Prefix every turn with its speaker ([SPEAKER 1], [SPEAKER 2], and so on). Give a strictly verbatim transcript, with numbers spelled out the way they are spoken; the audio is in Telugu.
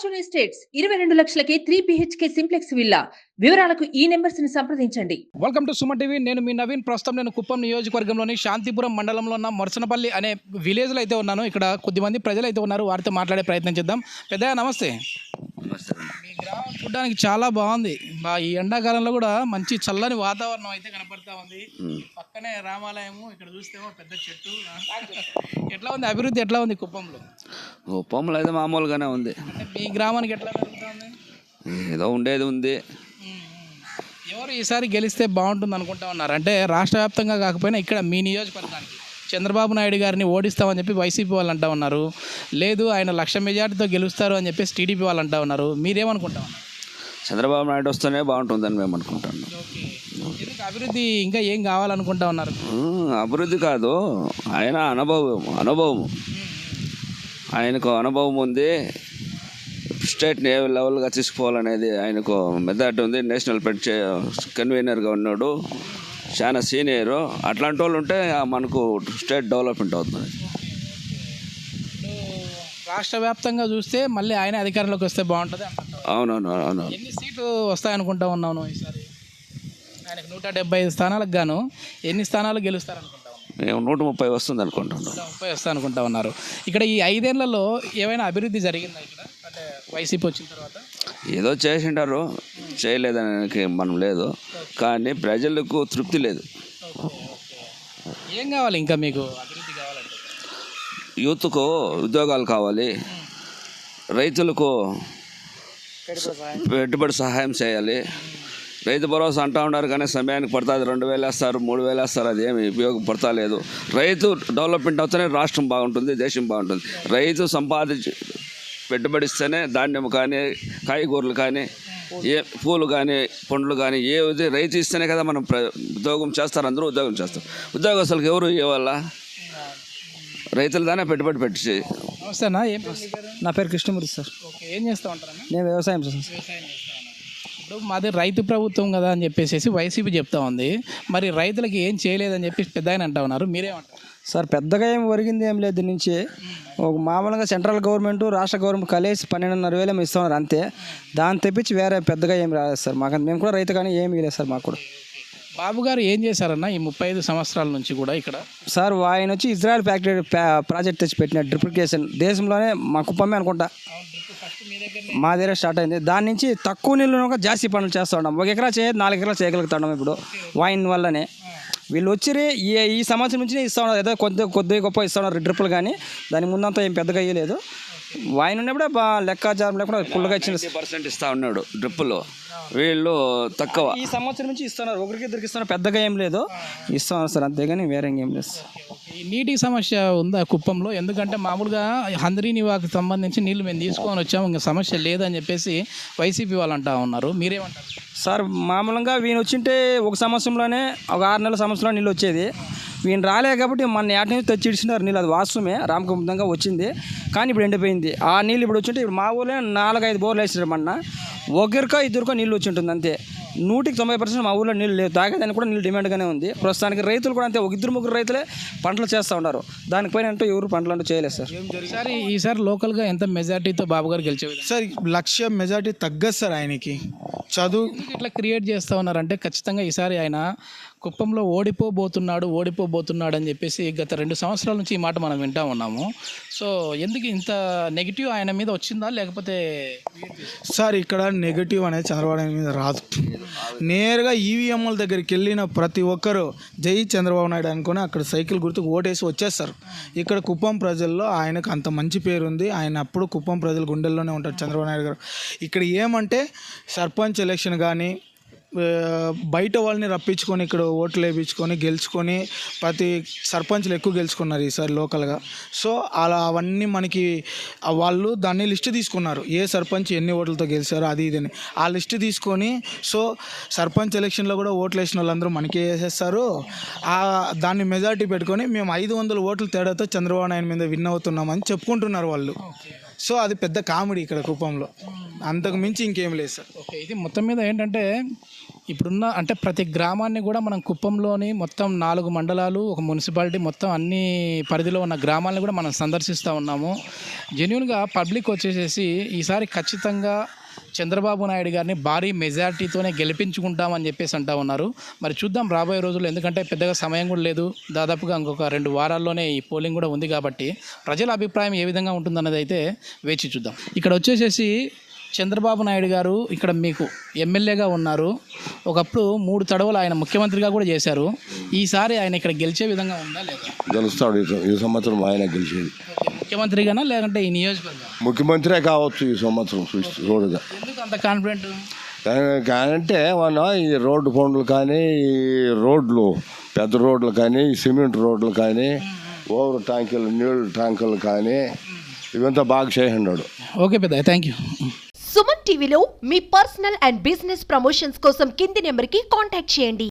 [SPEAKER 1] ఫార్చ్యూన్ ఎస్టేట్స్ ఇరవై రెండు లక్షలకే త్రీ బిహెచ్కే సింప్లెక్స్ విల్లా. వివరాలకు ఈ నెంబర్స్ ని సంప్రదించండి.
[SPEAKER 2] Welcome to Suman TV. నేను మీ నవీన్. ప్రస్తుతం నేను కుప్పం నియోజకవర్గంలోని శాంతిపురం మండలంలో ఉన్న మొరసనపల్లి అనే విలేజ్లో అయితే ఉన్నాను. ఇక్కడ కొద్దిమంది ప్రజలు అయితే ఉన్నారు, వారితో మాట్లాడే ప్రయత్నం చేద్దాం. పెద్దయ్య నమస్తే. మీ గ్రామం చూడడానికి చాలా బాగుంది. బా ఈ ఎండాకాలంలో కూడా మంచి చల్లని వాతావరణం అయితే కనపడతా ఉంది. పక్కనే రామాలయము, ఇక్కడ చూస్తేమో పెద్ద చెట్టు. ఎట్లా ఉంది అభివృద్ధి, ఎట్లా ఉంది కుప్పంలో?
[SPEAKER 3] కుప్పంలో అయితే మామూలుగానే ఉంది.
[SPEAKER 2] అంటే మీ గ్రామానికి ఎట్లా జరుగుతుంది?
[SPEAKER 3] ఏదో ఉండేది ఉంది.
[SPEAKER 2] ఎవరు ఈసారి గెలిస్తే బాగుంటుంది అనుకుంటా ఉన్నారు? అంటే రాష్ట్ర వ్యాప్తంగా కాకపోయినా ఇక్కడ మీ నియోజకవర్గానికి చంద్రబాబు నాయుడు గారిని ఓడిస్తామని చెప్పి వైసీపీ వాళ్ళు అంటా ఉన్నారు. లేదు ఆయన లక్ష మెజార్టీతో గెలుస్తారు అని చెప్పేసి టీడీపీ వాళ్ళు అంటా ఉన్నారు. మీరేమనుకుంటా ఉన్నారు?
[SPEAKER 3] చంద్రబాబు నాయుడు వస్తేనే బాగుంటుందని మేము అనుకుంటున్నాం.
[SPEAKER 2] ఎందుకు అభివృద్ధి ఇంకా ఏం కావాలనుకుంటా ఉన్నారు?
[SPEAKER 3] అభివృద్ధి కాదు, ఆయన అనుభవం అనుభవం ఆయనకు అనుభవం ఉంది. స్టేట్ని ఏ లెవెల్గా తీసుకోవాలనేది ఆయనకు మెథడ్ ఉంది. నేషనల్ పెట్ కన్వీనర్గా ఉన్నాడు, చాలా సీనియరు. అట్లాంటి వాళ్ళు ఉంటే మనకు స్టేట్ డెవలప్మెంట్ అవుతుంది.
[SPEAKER 2] రాష్ట్ర వ్యాప్తంగా చూస్తే మళ్ళీ ఆయన అధికారంలోకి వస్తే బాగుంటుంది.
[SPEAKER 3] అవునవును అవును.
[SPEAKER 2] ఎన్ని సీట్లు వస్తాయనుకుంటా ఉన్నాను ఈసారి? ఆయనకు నూట డెబ్బై ఐదు స్థానాలకు గాను ఎన్ని స్థానాలు గెలుస్తారనుకుంటా?
[SPEAKER 3] మేము నూట ముప్పై వస్తుంది అనుకుంటున్నాం.
[SPEAKER 2] నూట ముప్పై వస్తా అనుకుంటా ఉన్నారు. ఇక్కడ ఈ ఐదేళ్లలో ఏమైనా అభివృద్ధి జరిగిందా ఇక్కడ? అంటే వైసీపీ వచ్చిన తర్వాత
[SPEAKER 3] ఏదో చేసింటారు, చేయలేదని మనం లేదు, కానీ ప్రజలకు తృప్తి లేదు.
[SPEAKER 2] ఏం కావాలి ఇంకా మీకు అభివృద్ధి కావాలంటే?
[SPEAKER 3] యూత్కు ఉద్యోగాలు కావాలి, రైతులకు పెట్టుబడి సహాయం చేయాలి. రైతు భరోసా అంటూ ఉన్నారు కానీ సమయానికి పడుతుంది. రెండు వేలు వేస్తారు, మూడు వేలు వేస్తారు, అది ఏమి ఉపయోగపడతా లేదు. రైతు డెవలప్మెంట్ అవుతూనే రాష్ట్రం బాగుంటుంది, దేశం బాగుంటుంది. రైతు సంపాదించి పెట్టుబడిస్తేనే ధాన్యం కానీ, కాయగూరలు కానీ, ఏ పూలు కానీ, పండ్లు కానీ ఏది రైతు ఇస్తేనే కదా మనం ఉద్యోగం చేస్తారు. అందరూ ఉద్యోగం చేస్తారు. ఉద్యోగస్తులకు ఎవరు ఇవ్వాల? రైతులు దానే పెట్టుబడి పెట్టి.
[SPEAKER 2] నమస్తేనా, ఏం?
[SPEAKER 4] నా పేరు కృష్ణమూర్తి సార్.
[SPEAKER 2] ఓకే, ఏం చేస్తూ ఉంటారన్నా?
[SPEAKER 4] నేను వ్యవసాయం చేస్తాను సార్.
[SPEAKER 2] వ్యవసాయం చేస్తా ఉన్నాను. ఇప్పుడు మాది రైతు ప్రభుత్వం కదా అని చెప్పేసి వైసీపీ చెప్తా ఉంది. మరి రైతులకి ఏం చేయలేదని చెప్పి పెద్ద ఆయన అంటా ఉన్నారు. మీరేమంటారు
[SPEAKER 4] సార్? పెద్దగా ఏం ఒరిగింది ఏం లేదు. దీని నుంచి ఒక మామూలుగా సెంట్రల్ గవర్నమెంట్ రాష్ట్ర గవర్నమెంట్ కలిసి పన్నెండున్నర వేలు ఏమి ఇస్తున్నారు అంతే. దాన్ని తెప్పించి వేరే పెద్దగా ఏం రాలేదు సార్ మాకు. మేము కూడా రైతు కానీ ఏమి లేదు సార్ మాకు కూడా.
[SPEAKER 2] బాబు గారు ఏం చేశారన్న ఈ ముప్పై ఐదు సంవత్సరాల నుంచి కూడా ఇక్కడ?
[SPEAKER 4] సార్ ఆయన వచ్చి ఇజ్రాయెల్ ఫ్యాక్టరీ ప్రాజెక్ట్ తెచ్చి పెట్టిన డ్రిప్లికేషన్ దేశంలోనే మా కుప్పమే అనుకుంటా మా దగ్గర స్టార్ట్ అయింది. దాని నుంచి తక్కువ నీళ్ళు జాస్తి పనులు చేస్తూ ఉన్నాం. ఒక ఎకరా చేయ నాలుగు ఎకరాలు చేయగలుగుతున్నాం ఇప్పుడు వైన్ వల్లనే. వీళ్ళు వచ్చి ఈ ఈ సంవత్సరం నుంచి ఇస్తూ ఉన్నారు, ఏదో కొద్ది కొద్ది గొప్ప ఇస్తూ ఉన్నారు డ్రిప్పులు, కానీ దాని ముందంతా ఏం పెద్దగా ఇవ్వలేదు. వైన్ ఉన్నప్పుడే బాగా లెక్కాచారం లేకుండా ఫుల్గా ఇచ్చిన
[SPEAKER 3] పర్సెంట్ ఇస్తూ ఉన్నాడు డ్రిప్పులు. వీళ్ళు తక్కువ.
[SPEAKER 4] ఈ సంవత్సరం నుంచి ఇస్తున్నారు, ఒకరికి ఇద్దరికి ఇస్తున్నారు, పెద్దగా ఏం లేదు ఇస్తున్నారు సార్, అంతేగాని వేరే ఏం లేదు.
[SPEAKER 2] ఈ నీటి సమస్య ఉందా కుప్పంలో? ఎందుకంటే మామూలుగా హంద్రీనివాకు సంబంధించి నీళ్లు మేము తీసుకొని వచ్చాము, ఇంకా సమస్య లేదని చెప్పేసి వైసీపీ వాళ్ళు అంటా ఉన్నారు. మీరేమంటారు
[SPEAKER 4] సార్? మామూలుగా వీని వచ్చింటే ఒక సంవత్సరంలోనే ఒక ఆరు నెలల సంవత్సరంలో నీళ్ళు వచ్చేది. వీళ్ళు రాలే కాబట్టి మన ఏట నుంచి తెచ్చి ఇచ్చినారు నీళ్ళు. అది వాస్తవమే, రామకుంభంగా వచ్చింది, కానీ ఇప్పుడు ఎండిపోయింది. ఆ నీళ్ళు ఇప్పుడు వచ్చింటే ఇప్పుడు మా ఊళ్ళో నాలుగైదు బోర్లు వేసినారు. మొన్న ఒకరికో ఇద్దరికో నీళ్ళు వచ్చి ఉంటుంది అంతే. నూటికి తొంభై పర్సెంట్ మా ఊళ్ళో నీళ్ళు లేవు. తాగేదానికి కూడా నీళ్ళు డిమాండ్గానే ఉంది ప్రస్తుతానికి. రైతులు కూడా అంతే, ఒక ఇద్దరు ముగ్గురు రైతులే పంటలు చేస్తూ ఉన్నారు. దానిపైన అంటూ ఎవరు పంటలు అంటూ చేయలేదు సార్.
[SPEAKER 2] ఈసారి ఈసారి లోకల్గా ఎంత మెజార్టీతో బాబు గారు గెలిచేది
[SPEAKER 5] సార్? లక్ష మెజార్టీ తగ్గదు సార్ ఆయనకి. చదువు
[SPEAKER 2] ఇట్లా క్రియేట్ చేస్తూ ఉన్నారంటే ఖచ్చితంగా ఈసారి ఆయన కుప్పంలో ఓడిపోబోతున్నాడు ఓడిపోబోతున్నాడు అని చెప్పేసి గత రెండు సంవత్సరాల నుంచి ఈ మాట మనం వింటూ ఉన్నాము. సో ఎందుకు ఇంత నెగిటివ్ ఆయన మీద వచ్చిందా, లేకపోతే?
[SPEAKER 5] సార్ ఇక్కడ నెగిటివ్ అనేది చంద్రబాబు నాయుడు మీద రాదు. నేరుగా ఈవీఎంల దగ్గరికి వెళ్ళిన ప్రతి ఒక్కరు జై చంద్రబాబు నాయుడు అనుకుని అక్కడ సైకిల్ గుర్తుకు ఓటేసి వచ్చేస్తారు. ఇక్కడ కుప్పం ప్రజల్లో ఆయనకు అంత మంచి పేరు ఉంది. ఆయన అప్పుడు కుప్పం ప్రజల గుండెల్లోనే ఉంటారు చంద్రబాబు నాయుడు గారు. ఇక్కడ ఏమంటే సర్పంచ్ ఎలక్షన్ కానీ బయట వాళ్ళని రప్పించుకొని ఇక్కడ ఓట్లు వేయించుకొని గెలుచుకొని ప్రతి సర్పంచ్లు ఎక్కువ గెలుచుకున్నారు ఈసారి లోకల్గా. సో అలా అవన్నీ మనకి వాళ్ళు దాన్ని లిస్ట్ తీసుకున్నారు, ఏ సర్పంచ్ ఎన్ని ఓట్లతో గెలిచారో అది ఇదని ఆ లిస్ట్ తీసుకొని. సో సర్పంచ్ ఎలక్షన్లో కూడా ఓట్లు వేసిన వాళ్ళందరూ మనకే వేసేస్తారు. దాన్ని మెజారిటీ పెట్టుకొని మేము ఐదు వందల ఓట్ల తేడాతో చంద్రబాబు నాయుడు మీద విన్ అవుతున్నామని చెప్పుకుంటున్నారు వాళ్ళు. సో అది పెద్ద కామెడీ ఇక్కడ కుప్పంలో. అంతకు మించి ఇంకేం లేదు సార్.
[SPEAKER 2] ఓకే, ఇది మొత్తం మీద ఏంటంటే ఇప్పుడున్న అంటే ప్రతి గ్రామాన్ని కూడా మనం కుప్పంలోని మొత్తం నాలుగు మండలాలు ఒక మున్సిపాలిటీ మొత్తం అన్ని పరిధిలో ఉన్న గ్రామాలను కూడా మనం సందర్శిస్తూ ఉన్నాము. జెన్యున్గా పబ్లిక్ వచ్చేసేసి ఈసారి ఖచ్చితంగా చంద్రబాబు నాయుడు గారిని భారీ మెజారిటీతోనే గెలిపించుకుంటామని చెప్పేసి అంటూ ఉన్నారు. మరి చూద్దాం రాబోయే రోజుల్లో, ఎందుకంటే పెద్దగా సమయం కూడా లేదు, దాదాపుగా ఇంకొక రెండు వారాల్లోనే ఈ పోలింగ్ కూడా ఉంది కాబట్టి ప్రజల అభిప్రాయం ఏ విధంగా ఉంటుందన్నది అయితే వేచి చూద్దాం. ఇక్కడ వచ్చేసేసి చంద్రబాబు నాయుడు గారు ఇక్కడ మీకు ఎమ్మెల్యేగా ఉన్నారు, ఒకప్పుడు మూడు తడవలు ఆయన ముఖ్యమంత్రిగా కూడా చేశారు. ఈసారి ఆయన ఇక్కడ గెలిచే విధంగా ఉందా లేదా?
[SPEAKER 6] గెలుస్తాడు ఈ- ఈ సంవత్సరం ఆయన గెలిచేది.
[SPEAKER 2] ముఖ్యమంత్రిగానా లేదంటే ఈ నియోజకవర్గం
[SPEAKER 6] ముఖ్యమంత్రే కావచ్చు ఈ సంవత్సరం చూసి చూడగా.
[SPEAKER 2] ఎందుకు అంత కాన్ఫిడెంట్?
[SPEAKER 6] అంటే మన ఈ రోడ్డు పనులు కానీ, ఈ రోడ్లు పెద్ద రోడ్లు కానీ, ఈ సిమెంట్ రోడ్లు కానీ, ఓవర్ ట్యాంకులు నీళ్ళు ట్యాంకులు కానీ ఇవంతా బాగా చేయండాడు.
[SPEAKER 2] ఓకే పెద్ద, థ్యాంక్ యూ.
[SPEAKER 7] సుమన్ టీవీలో మీ పర్సనల్ అండ్ బిజినెస్ ప్రమోషన్స్ కోసం కింది నెంబర్కి కాంటాక్ట్ చేయండి.